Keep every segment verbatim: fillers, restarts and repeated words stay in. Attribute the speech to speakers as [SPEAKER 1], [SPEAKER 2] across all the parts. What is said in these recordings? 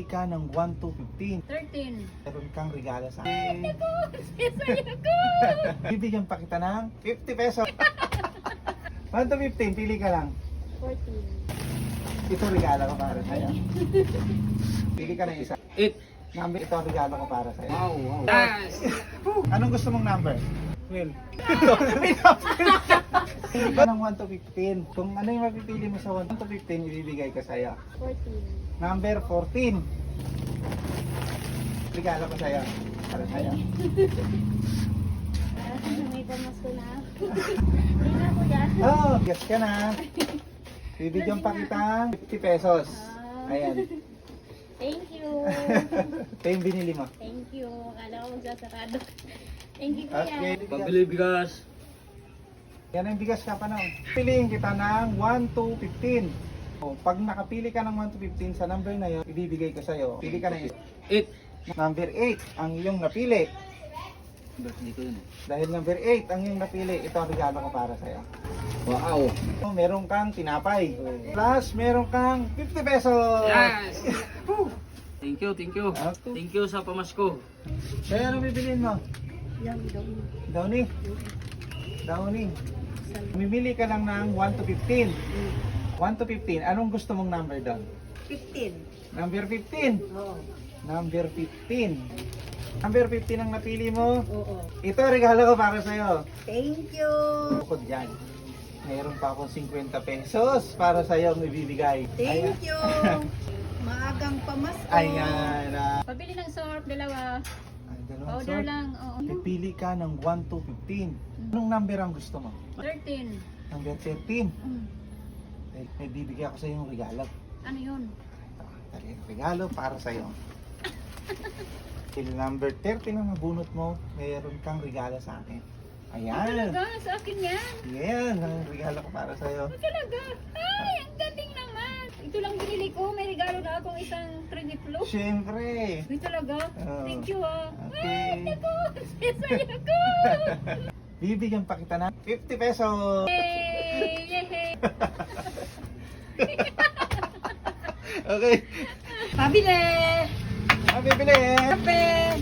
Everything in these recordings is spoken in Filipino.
[SPEAKER 1] ka ng one to fifteen.
[SPEAKER 2] thirteen.
[SPEAKER 1] Meron kang regalo sa akin.
[SPEAKER 2] Sesaya ko!
[SPEAKER 1] Bibigyan pa kita ng fifty pesos. one to fifteen, pili ka lang.
[SPEAKER 2] fourteen.
[SPEAKER 1] Ito regalo ko para sa'yo. Pili ka ng isa.
[SPEAKER 3] eight.
[SPEAKER 1] Number, ito ang regalo ko para sa'yo.
[SPEAKER 3] Wow, wow. Yes.
[SPEAKER 1] Anong gusto mong number? Will. Pili ka ng one to fifteen. Kung ano yung mapipili mo sa one to fifteen, ibibigay ko sa'yo.
[SPEAKER 2] fourteen.
[SPEAKER 1] Number fourteen. Regalo ko sa'yo. Para sa'yo.
[SPEAKER 2] Ah, may pamasko na. Hindi na ko yan.
[SPEAKER 1] Oh, guess ka na. Bibigyan pa kita fifty pesos. Ayan.
[SPEAKER 2] Thank you.
[SPEAKER 1] Ito yung binili mo.
[SPEAKER 2] Thank you. Akala ko magsasarado. Thank you, kuya.
[SPEAKER 1] Okay.
[SPEAKER 3] Pabili bigas.
[SPEAKER 1] Yan ang bigas ka pa na. Piliin kita ng one to fifteen. O, pag nakapili ka ng one to fifteen sa number na yun, ibibigay ko sa'yo. Pili ka ng
[SPEAKER 3] eight.
[SPEAKER 1] number eight ang iyong napili.
[SPEAKER 3] Hindi ko yun.
[SPEAKER 1] Dahil number eight ang iyong napili, ito ang regalo ko para sa'yo.
[SPEAKER 3] Wow.
[SPEAKER 1] O, meron kang tinapay. Plus, meron kang fifty pesos.
[SPEAKER 3] Yes. Thank you, thank you.
[SPEAKER 1] Okay.
[SPEAKER 3] Thank you sa pamasko.
[SPEAKER 1] Kaya ano bibilin mo?
[SPEAKER 2] Yan, daw.
[SPEAKER 1] Downy. Downy. Mimili ka lang ng one to fifteen. one to fifteen. Anong gusto mong number doon?
[SPEAKER 2] fifteen.
[SPEAKER 1] Number fifteen.
[SPEAKER 2] Oo.
[SPEAKER 1] Number fifteen. Number fifteen ang napili mo.
[SPEAKER 2] Oo.
[SPEAKER 1] Ito regalo ko para sa'yo.
[SPEAKER 2] Thank you.
[SPEAKER 1] Bukod dyan, mayroon pa akong fifty pesos para sa'yo ang ibibigay. Ayan.
[SPEAKER 2] Thank you. Maagang pamasko.
[SPEAKER 1] Ayan. ah.
[SPEAKER 2] Pabili ng syrup, dalawa.
[SPEAKER 1] Ay, dalawang
[SPEAKER 2] Powder
[SPEAKER 1] sort.
[SPEAKER 2] lang. Oo.
[SPEAKER 1] Pipili ka ng one to fifteen. Anong number ang gusto mo?
[SPEAKER 2] thirteen.
[SPEAKER 1] Number thirteen.
[SPEAKER 2] Mm.
[SPEAKER 1] May, may bibigay ako sa'yo ng regalo.
[SPEAKER 2] Ano yun?
[SPEAKER 1] Dali, regalo para sa'yo. Till number thirteen ang nabunot mo, mayroon kang regalo sa akin. Ayan.
[SPEAKER 2] Talaga, sa akin yan.
[SPEAKER 1] Yan, ang regalo ko para sa'yo.
[SPEAKER 2] Talaga. Ay, ang galing naman. Ito lang binili ko. May regalo na akong isang three flow.
[SPEAKER 1] Siyempre.
[SPEAKER 2] Ay, talaga.
[SPEAKER 1] Oo.
[SPEAKER 2] Thank you, ah.
[SPEAKER 1] Okay.
[SPEAKER 2] Ay, naku. Sesaya ko.
[SPEAKER 1] Bibigyan pa kita ng fifty pesos.
[SPEAKER 2] Yay! Yay!
[SPEAKER 1] Okay.
[SPEAKER 2] Pabili!
[SPEAKER 1] Ah, bibili.
[SPEAKER 2] Kape!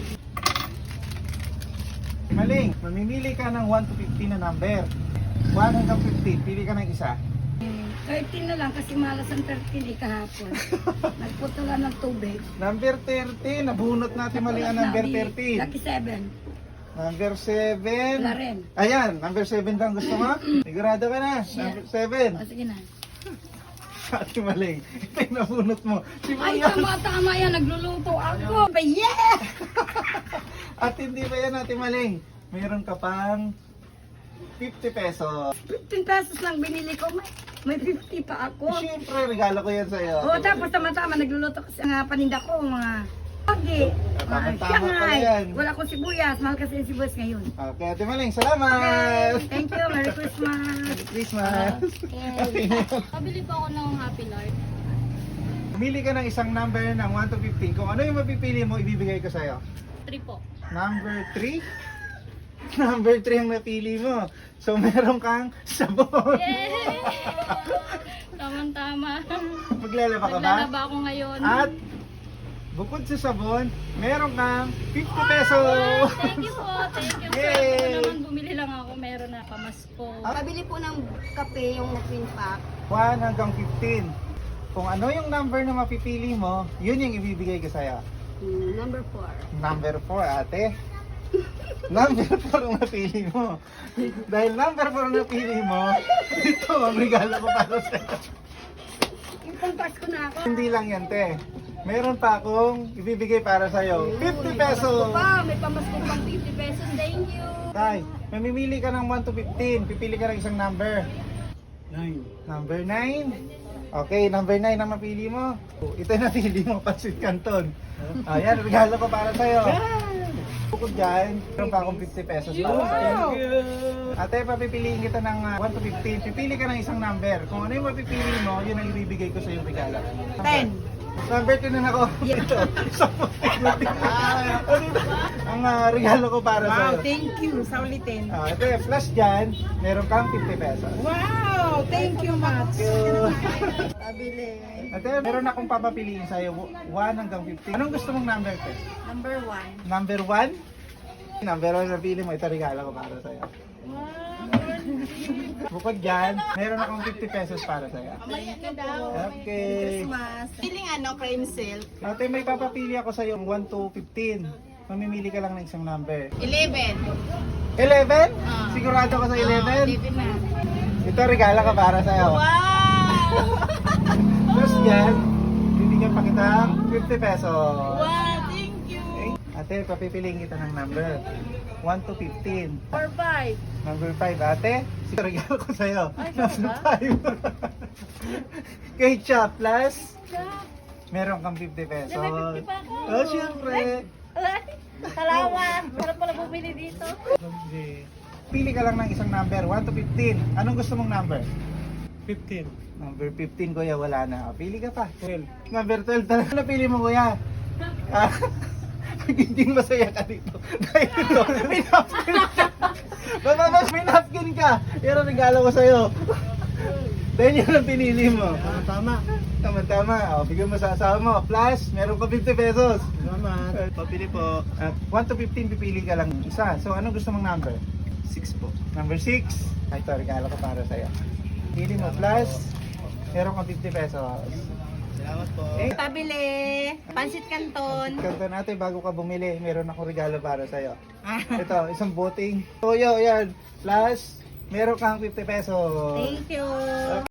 [SPEAKER 1] Maling, mamimili ka ng one to fifteen na number. one hanggang fifteen, pili ka ng isa.
[SPEAKER 2] thirteen na lang kasi malas ang thirteen eh kahapon. Nagputulan ng tubig.
[SPEAKER 1] Number thirteen, nabunot natin mali ang number thirteen.
[SPEAKER 2] Lucky seven.
[SPEAKER 1] Number seven.
[SPEAKER 2] Wala rin.
[SPEAKER 1] Ayan, number seven lang gusto mo? Sigurado ka na? Number seven.
[SPEAKER 2] O sige na.
[SPEAKER 1] Ate Maling, ito yung nabunot mo. Si
[SPEAKER 2] Ay,
[SPEAKER 1] Mayan.
[SPEAKER 2] tama tama yan. Nagluluto ako. Yeah!
[SPEAKER 1] At hindi ba yan, Ate Maling? Mayroon ka pang fifty pesos.
[SPEAKER 2] fifteen pesos lang binili ko. May, may fifty pa ako.
[SPEAKER 1] Siyempre, regalo ko yan sa'yo.
[SPEAKER 2] O, tapos tama-tama nagluluto kasi ang paninda ko, mga pagi.
[SPEAKER 1] Tama-tama pala yan.
[SPEAKER 2] Wala akong sibuyas. Mahal kasi yung sibuyas ngayon.
[SPEAKER 1] Okay, Ate Maling, salamat!
[SPEAKER 2] Okay, thank you. Merry Christmas.
[SPEAKER 1] Merry Christmas!
[SPEAKER 2] Okay. Pabili po ako ng Happy Life.
[SPEAKER 1] Pumili ka ng isang number ng one to fifteen. Kung ano yung mapipili mo, ibibigay ko sa'yo.
[SPEAKER 2] three po.
[SPEAKER 1] Number three? Number three ang napili mo. So, meron kang sabon.
[SPEAKER 2] Yay! Tama-tama.
[SPEAKER 1] Maglalaba ka ba?
[SPEAKER 2] Naglalaba ako ngayon.
[SPEAKER 1] At bukod sa sabon, meron kang fifty pesos.
[SPEAKER 2] Thank you po. Thank you.
[SPEAKER 1] Yay!
[SPEAKER 2] Ako naman bumili lang ako. Meron na pamasko.
[SPEAKER 4] Pabili po ng kape yung twin pack.
[SPEAKER 1] one hanggang fifteen. Kung ano yung number na mapipili mo, yun yung ibibigay ko sa'yo.
[SPEAKER 4] Hmm, number four.
[SPEAKER 1] Number four, ate. Number four ang napili mo. Dahil number four ang napili mo, ito ang regalo ko para sa'yo.
[SPEAKER 2] Yung pang-Pasko na ako.
[SPEAKER 1] Hindi lang yan, te. Meron pa akong ibibigay para sa'yo. fifty pesos!
[SPEAKER 4] Pa, may pamasko pang fifty pesos. Thank you.
[SPEAKER 1] Tay, mamimili ka ng one to fifteen. Pipili ka ng isang number.
[SPEAKER 3] nine.
[SPEAKER 1] Number nine. Okay, number nine ang mapili mo. Ito yung napili mo, Pansit Canton. Ayan, regalo ko para sa'yo. Bukod dyan, meron pa akong fifty pesos para sa'yo.
[SPEAKER 3] Thank you.
[SPEAKER 1] Ate, papipiliin kita ng uh, one to fifteen. Pipili ka ng isang number. Kung ano yung mapipili mo, yun ang ibibigay ko sa yung regalo.
[SPEAKER 4] ten.
[SPEAKER 1] Number two na ako. Ito. Isang puti-puti. Ang ah, regalo ko para
[SPEAKER 5] Wow,
[SPEAKER 1] sa'yo.
[SPEAKER 5] thank you sa ulitin.
[SPEAKER 1] Ah, ito yung plus dyan, meron kang fifty pesos.
[SPEAKER 5] Wow, thank you much.
[SPEAKER 4] Pabili.
[SPEAKER 1] Ate, meron akong papapiliin sa'yo, one hanggang fifty. Anong gusto mong number, te?
[SPEAKER 4] Number one.
[SPEAKER 1] Number one? Number one, napili mo, ito regalo ko para sa'yo. Bukod dyan, meron akong fifty pesos para sa'yo. Okay.
[SPEAKER 4] Christmas. Feeling ano, cream silk.
[SPEAKER 1] Ate, may papapili ako sa'yo, one to fifteen. Mamimili ka lang ng isang number.
[SPEAKER 4] Eleven.
[SPEAKER 1] eleven?
[SPEAKER 4] Ah.
[SPEAKER 1] Sigurado ka sa eleven?
[SPEAKER 4] Eleven na.
[SPEAKER 1] Ito regalo ko para sa'yo.
[SPEAKER 4] Wow!
[SPEAKER 1] Plus dyan, bibigyan pa kitang fifty pesos.
[SPEAKER 4] Wow, thank you.
[SPEAKER 1] Ate, papipiliin kita ng number. one to fifteen.
[SPEAKER 4] Four, five.
[SPEAKER 1] Number five, ate. Sige, regalo ko sa'yo.
[SPEAKER 4] Ay,
[SPEAKER 1] Number
[SPEAKER 4] ba?
[SPEAKER 1] five. Kay Cha plus, meron kang fifty pesos.
[SPEAKER 2] May fifty pa ako.
[SPEAKER 1] Oh, syempre.
[SPEAKER 2] Salamat. Sarap pala bumili dito.
[SPEAKER 1] Okay. Pili ka lang ng isang number, one to fifteen. Anong gusto mong number?
[SPEAKER 3] fifteen.
[SPEAKER 1] Number fifteen, kuya, wala na. O, pili ka pa. twelve. Number twelve talaga. Ano pili mo, kuya? Ah, Magiging masaya ka dito. Dahil ito, may napkin ka. Bababas, may napkin ka. Pero regalo ko sa'yo. Dahil yun ang pinili mo.
[SPEAKER 3] Tama.
[SPEAKER 1] Tama-tama. O, bigyan mo sa asawa mo. Plus, meron ka fifty pesos.
[SPEAKER 3] Salamat.
[SPEAKER 1] Papili po. At one to fifteen, pipili ka lang isa. So, anong gusto mong number?
[SPEAKER 3] six po.
[SPEAKER 1] Number six. Ay, ito, regalo ko para sa'yo. Pili mo. Plus, meron kang fifty pesos.
[SPEAKER 3] Salamat po.
[SPEAKER 1] Eh,
[SPEAKER 4] Pabili. Pansit Canton.
[SPEAKER 1] Kanto natin, bago ka bumili, meron akong regalo para sa'yo. Ito, isang boting. Toyo, yan. Plus, meron kang fifty pesos.
[SPEAKER 4] Thank you.